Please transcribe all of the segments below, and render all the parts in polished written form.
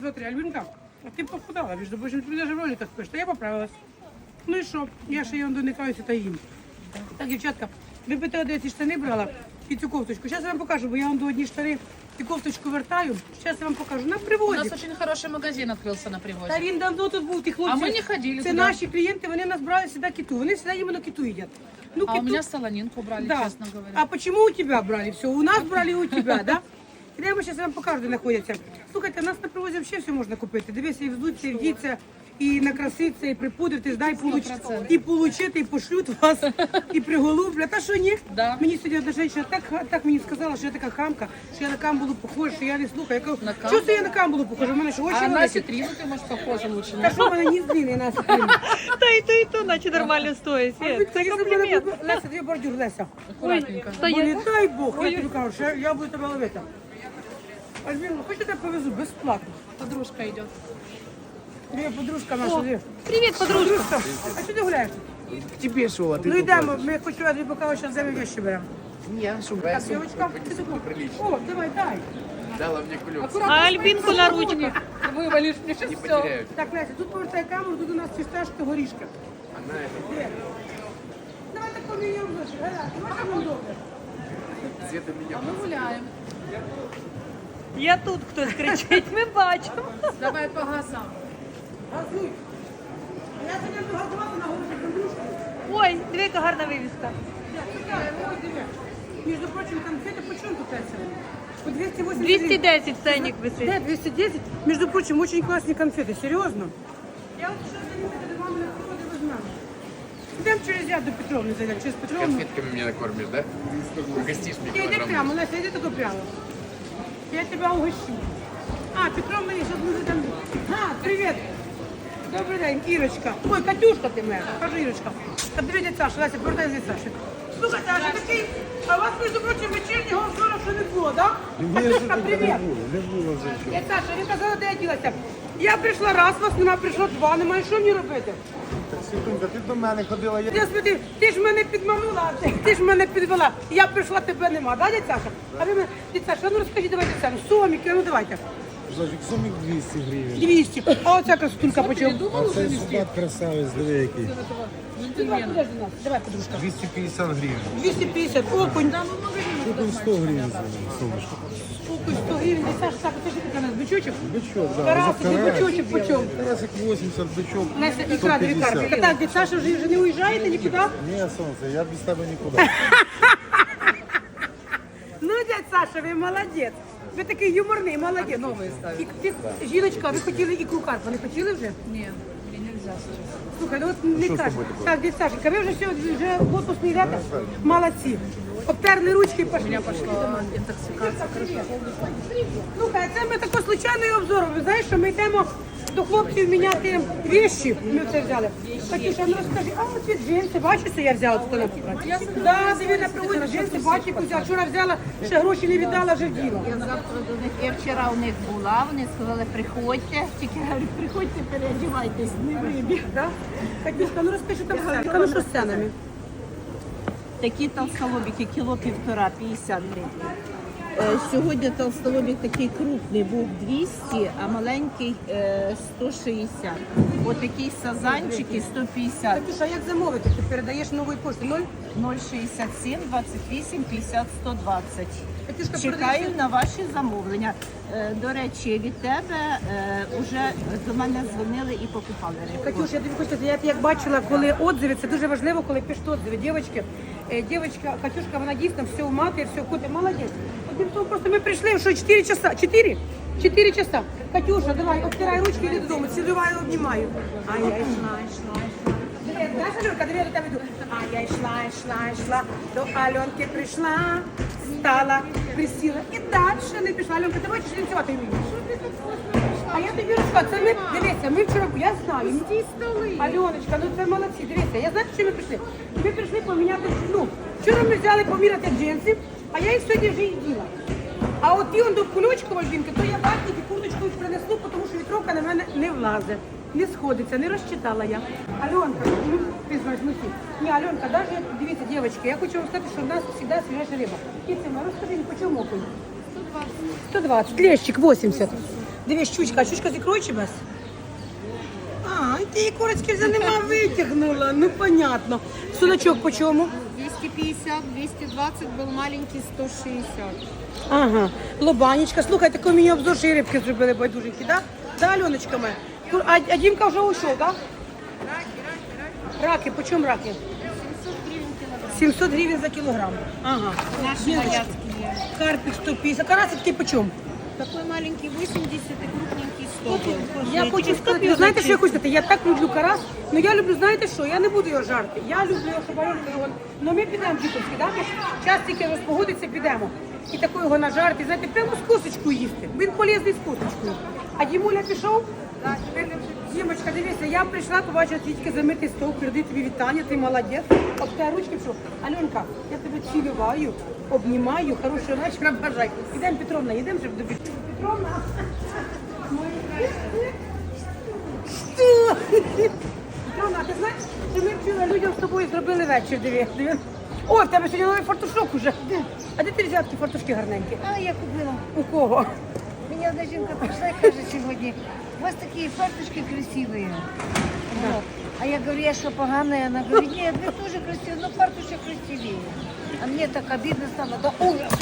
Смотри, Альбинка, а ты похудала, между прочим, ты даже в роликах пишешь, что я поправилась. Ну і що? Я ще її доникаюся та їм. Так, дівчатка, ви б де ці штани брала і цю кофточку. Зараз я вам покажу, бо я вам до одні штани і кофточку вертаю. Зараз я вам покажу. На У приводі. нас очень хороший магазин открылся на привозе. Та він давно тут був, ті хлопці. А ми не ходили Це туди. наші клієнти, вони нас брали сюди киту. Вони сюди іменно киту їдять. Ну, А у меня солонинку брали, да. честно говоря. А почему у тебя брали все? У нас брали у тебя, да? Я сейчас вам покажу, де знаходяться. Слухайте, у нас на привозі взагалі все можна купити. Дивіться, і вздуться, і вдіться, і накраситься, і припудритись, да, і, 100%. і получити, і пошлють вас, і приголублять. Та що ні? Да. Мені сьогодні одна жінка так мені сказала, що я така хамка, що я на камбулу похожа, що я не слухаю. Я кажу, На що камбулу? це я на камбулу похожа? У мене що очі А на великі. ситрину ты, может, похожа лучше, Та нет? що в мене ні зліни, на ситрину. Та і то, наче нормально стоїть. Свет, це комплімент. Леся, дві бордюр, Леся. Аккуратненько. Блін, дай Бог, я тобі кажу, що я буду тебе ловити. Альбіна, хочете, я повезу безплатно? Подружка идет. Дві подружка наша, дві. Привіт, подружка. А що ти гуляєш? Тебе що, а ти Ну йдемо, ми хочу я тобі покажу, що взяли вещи беремо. Ні, що Так, дівчатка, ти таку. О, давай, дай. дала мені кульок. А Альбінку на ручках. Вывалишь мне сейчас Не все. потеряю. Так, Леся, тут повертай камеру, тут у нас фісташки, горішки. Вона Де? Давай так поміняємо ночі, гаразд, давай так нам добре. Света А меня. мы гуляем. Я тут хтось кричить, ми бачимо. Давай по газам. Газуй. А я сьогодні буду газувати на горішки подружки. Ой, диви, яка гарна вивіска. Между прочим, конфеты почем тут Леся? По 280 гривен. 210 ценник висить. Да, 210. Между прочим, очень классные конфеты, серьезно. Я вот сейчас занимаюсь, до мамы на приходе возьмем. Идем через ряд до Петровны, зайдем, через Петровну. Конфетками меня накормишь, да? Угостишь мне Ты иди килограмм. прямо, Леся, иди только прямо. Я тебя угощу. А, Петровна, сейчас мы зайдем. А, привет. Добрий день, Ірочка. Ой, Катюшка ти моя. Кажи, Ірочка. Та диви, дядь Саша, Леся, повертай з Саші. Слухайте, а що такий, а у вас, між прочим, вечірнього обзору ще не було, так? Да? Катюшка, привіт. Не було вже чого. Дядь Саша, ви казали, де я ділася. Я прийшла раз, вас нема, прийшло два, немає, що мені робити? Так, Світунька, ти до мене ходила, я Я спитав, ти ж мене підманула, ти ж мене підвела. Я прийшла, тебе нема, да, дядь Саша? А ви мене, дядь Саша, ну розкажіть, давайте все, соміки, ну давайте. Зажик сумік 200 гривень. 200. А оця красотулька почем? А цей солдат красавець, диви який. Давай, подожди нас, давай, подружка. 250 гривень. 250, окунь. Тут 100 гривень, сонечко. Окунь, 100 гривень, дядь Саша, так, це ж таке у нас бичочок. Бичок, да. Карасик, і Карасик. бичочок почем? Карасик 80, бичок Леся, ікра, дві карпи. 150. Так, дядь Саша, вже не уїжджаєте нікуди? Ні, сонце, я без тебе нікуди. Ну, дядь Саша, ви молодець. Ви такий юморний, молодець. Новые ставят. Жіночка, ви хотіли ікру карпа, не хотіли вже? Нет, мне нельзя сейчас. Слухай, ну от не кажуть. Так, дядь Сашенька, ви вже все, вже в отпуск не йдете? Молодці. Обтерли ручки і пошли. У меня пошла интоксикация. Слухай, це ми такий случайний обзор. Ви знаєш, що ми йдемо до хлопців міняти вещі. Ми це взяли. Катюша, ну розкажи, а оці джинси, бачиш, що я взяла тут? Так, диви, на приводі джинси, бачиш, яку взяла. Вчора взяла, ще гроші не віддала, вже вділа. Я завтра до них. Я вчора у них була, вони сказали, приходьте. Тільки говорю, приходьте, переодівайтесь, не вибіг. Да? Катюшка, ну розкажи там все. Ну що з ценами? Такі толстолобики, кіло 1,5, 50 гривень. Сьогодні толстолобик такий крупний був 200, а маленький 160. Отакі сазанчики 150. Катюша, як замовити? Ти передаєш нової пошти? 067 28 50 120. Катюшка, Чекаю на ваші замовлення. До речі, від тебе вже до мене дзвонили і покупали рибу. Катюш, я тобі хочу сказати, я як бачила, коли отзиви, це дуже важливо, коли пишуть отзиви. Дівчинка, Катюшка, вона дійсно все мати, все куди, молодець. Одним словом, просто ми прийшли, що 4 часа, 4? 4 часа. Катюша, давай, обтирай ручки, йди додому, цілюваю, обнімаю. А я йшла. Знаєш, Альонка, диви, я до тебе йду. А я йшла, до Альонки прийшла, стала, присіла і далі не пішла. Альонка, ти бачиш, танцювати вмієш? А я тобі розказую, це ми, дивися, ми вчора, я знаю. Альоночка, ну це молодці, дивися, я знаю, що ми прийшли. Ми прийшли поміняти, ну, вчора ми взяли поміряти джинси, а я їх сьогодні вже і діла. А от ті он до кульочку, Альбінки, то я ватник і курточку принесу, тому що вітровка на мене не влазить, не сходиться, не розчитала я. Альонка, ну, ти знаєш, ну всі. Ні, Альонка, навіть, дивіться, дівчатки, я хочу вам сказати, що в нас завжди свіжа риба. Кіцема, розкажи, по чому окунь? 120. 120, лещик 80. Дивись, щучка, а щучка з ікрою чи без? А, і ти її корочки вже нема витягнула, ну понятно. Судачок по чому? 250, 220 был маленький, 160. Ага, лобанечка. Слухайте, такий мені обзор, що і рибки зробили байдуженькі, да? Да, Альоночка моя? А Дімка вже ушов, да? Раки, по чому раки? 700 гривень за кілограм. Ага. Наши Діночки. моряцкие. Карпик 150. Карасик такий по чому? Такой маленький 80 и крупненький 100. Я хочу сказати, знаєте, що я хочу сказати? Я так люблю карась, але я люблю, знаєте що, я не буду його жарти. Я люблю його, щоб Альонка його... Ну ми підемо в Діковський, да? Час тільки розпогодиться, підемо. І таку його нажарити, знаєте, прямо з косточкою їсти. Він полезний з косточкою. А Дімуля пішов? Так, Дімочка, дивися, я прийшла, побачила тільки замитий стол, передаю тобі вітання, ти молодець. Об тебе ручки пішов. Альонка, я тебе цілюваю, обнімаю, хорошого вечора бажаю. Ідемо, Петровна, йдемо вже до Петровна. Що? Петровна, а ти знаєш, що ми вчора людям з тобою зробили вечір, диви. О, в тебе сьогодні новий фартушок уже. А де ти взяв ті фартушки гарненькі? А, я купила. У кого? Меня одна жінка пришла и скажет сегодня, у вас такие фарточки красивые. Вот. А я говорю, я что, поганая? Она говорит, нет, вы тоже красивые, но фартушек красивее. А мне так обидно стало, да ужас.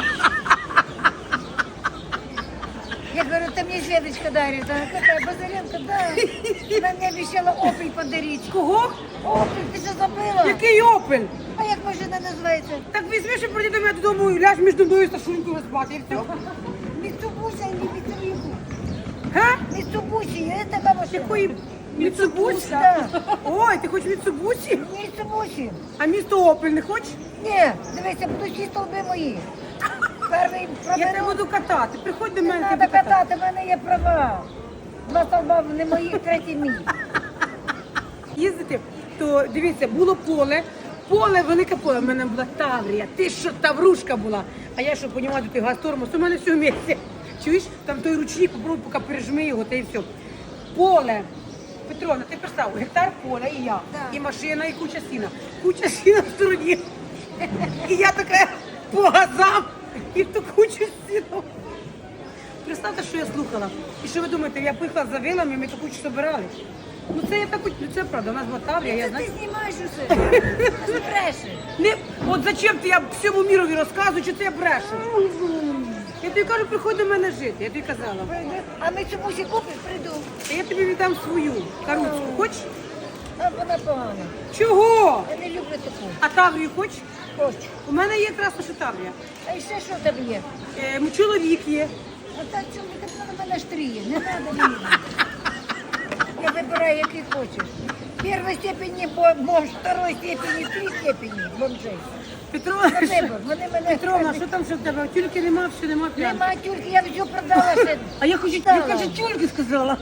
Я говорю, это мне Светочка дарит. Она какая, Базаренко, да. Она мне обещала опель подарить. Кого? Опель, ты что забыла? Який опель? А як машина називається? Так візьмеш і прийди до мене додому і ляж між мною та Сашунькою спати, і все. Міцубуся і Міцубусі. Га? Міцубусі, це така машина. Якої Міцубусі? Да. Ой, ти хочеш Міцубусі? Міцубусі. А місто Опель не хочеш? Ні, дивися, будуть всі столби мої. Перший Я тебе проберу. буду катати. Приходь до Не мене, треба тебе катати. катати, в мене є права. Два столба не мої, третій мій. Їздити, то дивіться, було поле, велике поле, в мене була Таврія, ти що, Таврушка була. А я що, понімаю, той газ-тормоз, у мене все в місці. Чуєш, там той ручник, попробуй, поки пережми його, та і все. Поле. Петровна, ти представ, гектар поля і я, і машина, і куча сіна. Куча сіна в стороні. І я така по газам, і в ту кучу сіна. Представте, що я слухала. І що ви думаєте, я поїхала за вилами, ми ту кучу збирали. Ну це я так, ну це правда, у нас була Таврія, я Ти знаю. знімаєш усе. Ти брешеш. Не, от зачем ти я всьому мірові розказую, що це я брешу? Я тобі кажу, приходь до мене жити, я тобі казала. А Міцубусі купиш, прийду. А я тобі віддам свою каруцьку, хочеш? А вона погана. Чого? Я не люблю таку. А Таврію хочеш? Хочу. У мене є якраз що Таврія. А ще що в тебе є? Чоловік є. А так чому так на мене штріє? Не треба мені. Я вибираю, який хочеш. Першої степені бомж, второї степені, три степені бомжей. Петровна, На вибор. Вони мене... Петровна, що там ще в тебе? Тільки нема, все нема прямо. Нема тюльки, я все продала ще. А я хочу, я Стала. кажу, тюльки сказала.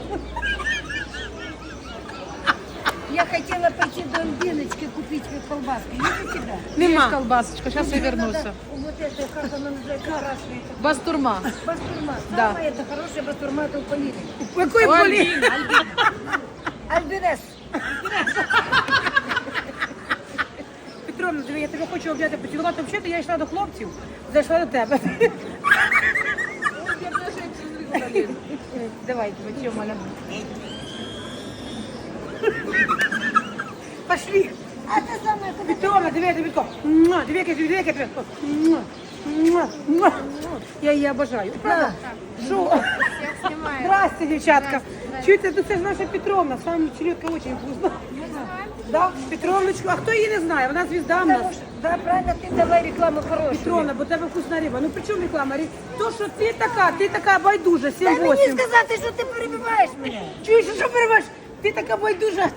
Я хотела пойти до Альбиночки купить колбаски. Есть у тебя? Нема. Колбасочка, сейчас я вернуся. Надо вот это, как она называется, красная. Бастурма. Бастурма. Да. Самая это хорошая бастурма, это у Полины. У якої полі? Альбинес. Петровна, диви, я тебе хочу обняти, поцілувати. Взагалі, я йшла до хлопців, зайшла до тебе. Давай, тебе, Маля. Пошли. А ты самая куда? Петровна, диви, я тобі тако. Муа, диви, як я тебе тако. Муа, муа, муа. Я її обожаю. Правда? Що? Здрасте, дівчатка. Чуєте, ну це ж наша Петровна, сам челюдка дуже вкусна. Да, Петровночку, а хто її не знає? Вона звізда в нас. Потому что, да, правильно, ты давай рекламу хорошую. Петровна, бо в тебе вкусна риба. Ну при чому реклама? То, що ти така байдужа, Дай мені 7-8. сказати, що ти перебиваєш мене. Чуєш, що перебаєш? Ти така байдужа.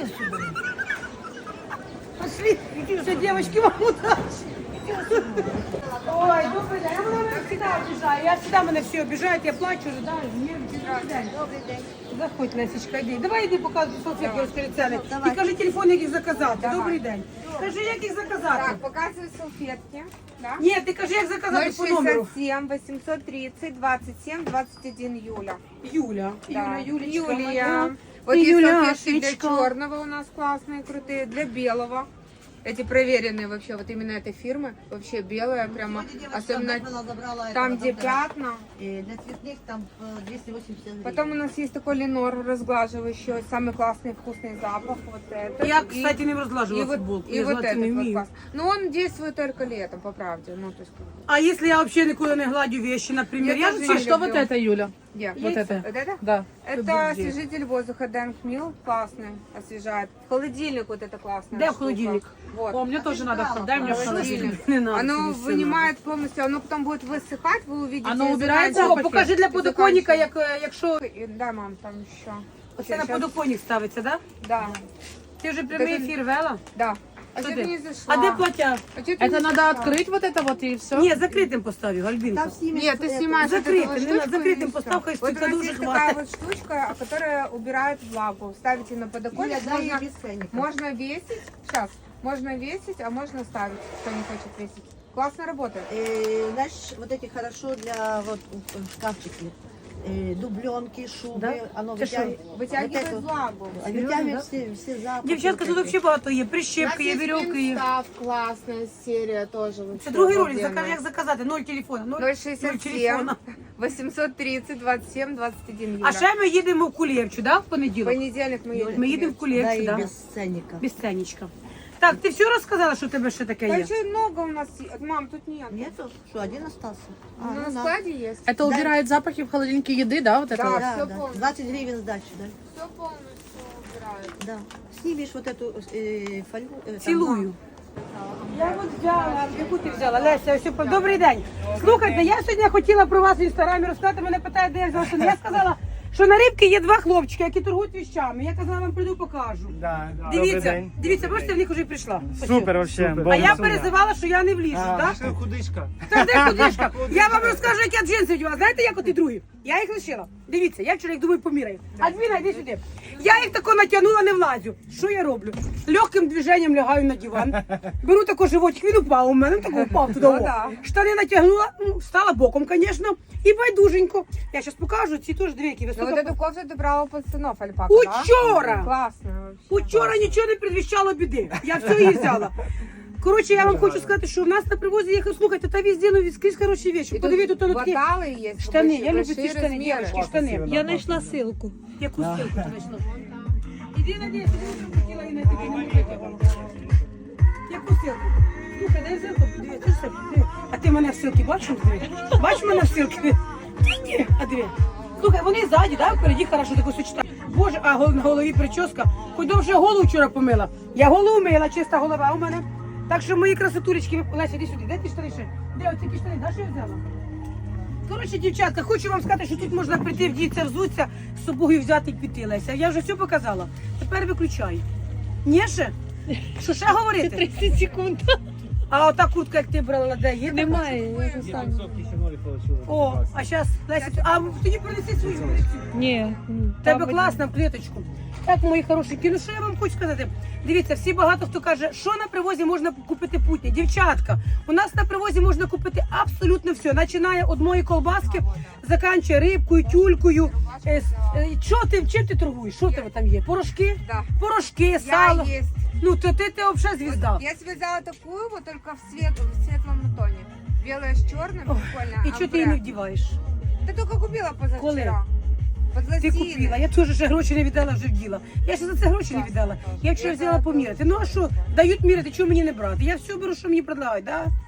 Пошли. Все, девочки, вам удачи. Ой, добрий день. Я мене завжди обіжаю. Я завжди мене всі обіжають, я плачу, ждаю. Добрий день. Добрий день. Заходь, Лесічка, йди. Давай йди показуй салфетки, розкажи ціни. Давай. І кажи телефон, як їх заказати. Добрий день. Кажи, як їх заказати. Так, показываю салфетки. Да? Ні, ти кажи, як заказати по номеру. 067 830 27 21 Юля. Юля. Да. Юлечка. Юлия. моя. Вот Ты есть салфетки для Юляшечка. черного у нас классные, крутые, для белого. Эти проверенные вообще, вот именно этой фирмы. Вообще белая, прямо, особенно там, где пятна. Для цветных там 280 гривен. Потом у нас есть такой Ленор разглаживающий, самый классный вкусный запах. Вот это. Я, И- кстати, не розглажувала и вот, футболку. и Я вот золоті не этот вот вмію. класс. Но он действует только летом, по правде. Ну, то есть, как бы. А якщо я взагалі ніколи не гладю вещи, наприклад, Я я тоже же не Что вот люблю. это, Юля? Где? Вот это. Вот это? Да. Это освежитель воздуха Дэнк Мил, классный, освежает. Холодильник вот это классная Де в штука. холодильник? Вот. О, мне тоже надо. Дай мне в холодильник. Холодильник. Не надо. Оно тобі все вынимает полностью, оно потом будет высыхать, вы увидите. Оно и убирается? надо. О, заканчивает. покажи для И подоконника, заканчивает. якщо... И- Да, мам, там еще. Оце на подоконник ставиться, да? Да, Ти вже прямий ефір вела? да. А Что что ты ты? не зашла? А де плаття? А чё ты Это не надо зашла? открыть вот это вот и все? Ні, закритим поставив, Альбінка. Нет, ты снимаешь вот Закрытым, эту вот не надо, штучку закрытым и всё. поставь, хай Вот у столько нас дуже есть хватит. такая вот штучка, которая убирает влагу. Ставите на подоконник, можно весить. Сейчас, можно весить, а можно ставить, кто не хочет весить. Классно работает. Знаешь, вот эти хорошо для вот шкафчики. Дубленки, шубы. Да? Оно Ты что, Вытягивает вот это- влагу. Вытягивает все запахи. Дівчатка, тут взагалі багато є. Прищепки є, вірьовки є. Став классная серия тоже. Це другий ролик, як заказати, 0 телефона, 0 067 телефона. 830 27 21 А евро. ще ми їдемо в Кулєвчу, да, в понеділок? Понедельник мы едем. Ми їдемо в Да, Кулєвчу, и да? без ценника. Без ценничка. Так, ти все розказала, що у тебе ще таке Да є? еще много у нас. Мам, тут нет. Нету? Что, один остался? Ну, на да. складе есть. Это убирает запахи в холодильнике еды, да, вот это? Да. вот? Да, всё да. полностью. 20 гривен сдачи, да? Все полностью убирают. Да. Снимешь вот эту фольгу. там, Цілую. Я от взяла, яку ти взяла, Леся, все, добрий день. Слухайте, я сьогодні хотіла про вас в інстаграмі розказати, мене питають, де я взяла. Що я сказала, що на рибки є два хлопчики, які торгують віщами. Я казала, вам прийду, покажу. Дивіться, дивіться, бачите, в них вже прийшла. Супер, вообще. А я перезивала, що я не вліжу, так? Худичка. Та де кудишка? Я вам розкажу, як я джинси вдягала. Знаєте, як от і другі? Я їх лишила. Дивіться, я вчора їх думаю поміряю. Альбіна, йди сюди. Я їх тако натягнула, не влазю. Що я роблю? Легким движенням лягаю на диван. Беру тако животик, він упав у мене, тако упав туди. Ну, о. да. Штани натягнула, стала боком, звісно. І байдуженько. Я зараз покажу, ці теж дві, які Ну, високо. вот эту кофту ты брала у пацанов, альпака, Учора! да? Классная вообще. Учора нічого не предвіщало біди. Я все її взяла. Коротше, я вам хочу сказати, що в нас на привозі є, слухайте, та везде, ну скрізь хороші речі. И Подивіться, тут такі баталы есть. штани. Я люблю большие ці штани, размеры. дівчатки, штани. Я нашла ссылку. Яку ссылку ти знайшла? Іди на десь, я хотіла і на такі не витягнула. Яку ссылку? Слухай, дай ссылку, подивись, ти ж себе, диви. А ти мене в ссылки бачиш? Диви? Бачиш мене в ссылки? Ні, а диви. Слухай, вони ззаді, да, впереді хорошо таку сочетають. Боже, а на голові прическа. Хоч довше голову вчора помила. Я голову мила, чиста голова у мене. Так що мої красотулечки, Леся, іди сюди, де ті штани ще? Де оці ті штани, да, що я взяла? Коротше, дівчатка, хочу вам сказати, що тут можна прийти, вдітися, взуться, з собою взяти і піти, Леся. Я вже все показала. Тепер виключай. Ні ще? Що ще говорити? 30 секунд. А ота куртка, як ти брала, де є? Немає, я сам. О, а зараз, Леся, а тоді принеси свою колекцію. Ні. Тебе класно в клеточку. Так, мої хорошенькі, ну що я вам хочу сказати? Дивіться, всі багато хто каже, що на привозі можна купити путнє. Дівчатка, у нас на привозі можна купити абсолютно все. Починає від одної колбаски, заканчує рибкою, тюлькою. Чим ти торгуєш? Що в тебе там є? Порошки? Да. Порошки, сало. Я есть. Ну, то ти взагалі звізда. Я себе взяла такую, вот только в светлом тоне. Белая с черным, прикольно. І чого ти її не вдіваєш? Ты только купила позавчера. Ти купила, я теж ще гроші не віддала, вже вділа. Я ще за це гроші не віддала. Я вчора взяла поміряти. Ну а що, дають міряти, чого мені не брати? Я все беру, що мені предлагають, да?